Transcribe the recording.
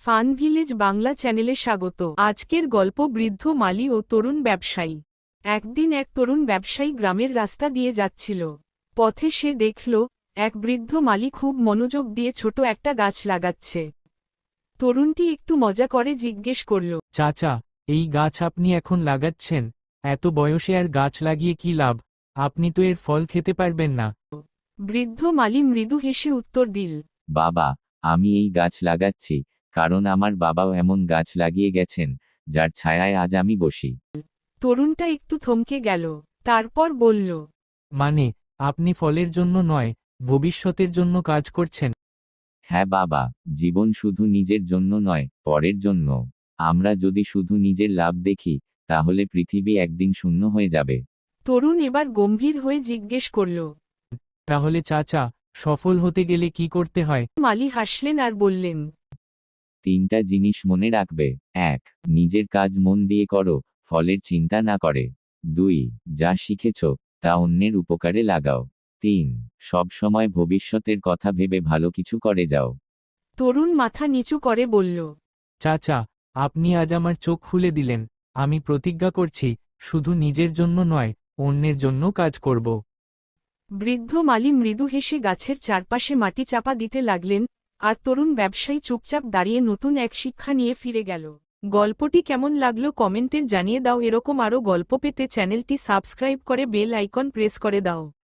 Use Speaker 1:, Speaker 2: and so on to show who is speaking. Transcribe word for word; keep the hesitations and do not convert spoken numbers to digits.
Speaker 1: Fun village Bangla চ্যানেলে স্বাগত। আজকের গল্প বৃদ্ধ মালি ও তরুণ ব্যবসায়ী। একদিন এক তরুণ ব্যবসায়ী গ্রামের রাস্তা দিয়ে যাচ্ছিল। পথে সে দেখল এক বৃদ্ধ মালি খুব মনোযোগ দিয়ে ছোট একটা গাছ লাগাচ্ছে। তরুণটি একটু মজা করে জিজ্ঞেস করল,
Speaker 2: চাচা, এই গাছ আপনি এখন লাগাচ্ছেন? এত বয়সে আর গাছ লাগিয়ে কি লাভ? আপনি তো এর ফল খেতে পারবেন না।
Speaker 1: বৃদ্ধ মালি মৃদু হেসে উত্তর দিল,
Speaker 3: বাবা, আমি এই গাছ লাগাচ্ছি কারণ আমার বাবাও এমন গাছ লাগিয়ে গেছেন, যার ছায়ায় আজ আমি বসি।
Speaker 1: তরুণটা একটু থমকে গেল, তারপর বলল,
Speaker 2: মানে, আপনি ফলের জন্য নয়, ভবিষ্যতের জন্য কাজ করছেন?
Speaker 3: হ্যাঁ বাবা, জীবন শুধু নিজের জন্য নয়, পরের জন্য। আমরা যদি শুধু নিজের লাভ দেখি, তাহলে পৃথিবী একদিন শূন্য হয়ে যাবে।
Speaker 1: তরুণ এবার গম্ভীর হয়ে জিজ্ঞেস করল।
Speaker 2: তাহলে চাচা, সফল হতে গেলে কি করতে হয়?
Speaker 1: মালি হাসলেন আর বললেন,
Speaker 3: তিনটা জিনিস মনে রাখবে। এক, নিজের কাজ মন দিয়ে করো, ফলের চিন্তা না করে। দুই, যা শিখেছ তা অন্যের উপকারে লাগাও। তিন, সব সময় ভবিষ্যতের কথা ভেবে ভালো কিছু করে যাও।
Speaker 1: তরুণ মাথা নিচু করে বলল,
Speaker 2: চাচা, আপনি আজ আমার চোখ খুলে দিলেন। আমি প্রতিজ্ঞা করছি, শুধু নিজের জন্য নয়, অন্যের জন্য কাজ করব।
Speaker 1: বৃদ্ধ মালি মৃদু হেসে গাছের চারপাশে মাটি চাপা দিতে লাগলেন, আর তরুণ ব্যবসায়ী চুপচাপ দাঁড়িয়ে নতুন এক শিক্ষা নিয়ে ফিরে গেল। গল্পটি কেমন লাগলো কমেন্টের জানিয়ে দাও। এরকম আরও গল্প পেতে চ্যানেলটি সাবস্ক্রাইব করে বেল আইকন প্রেস করে দাও।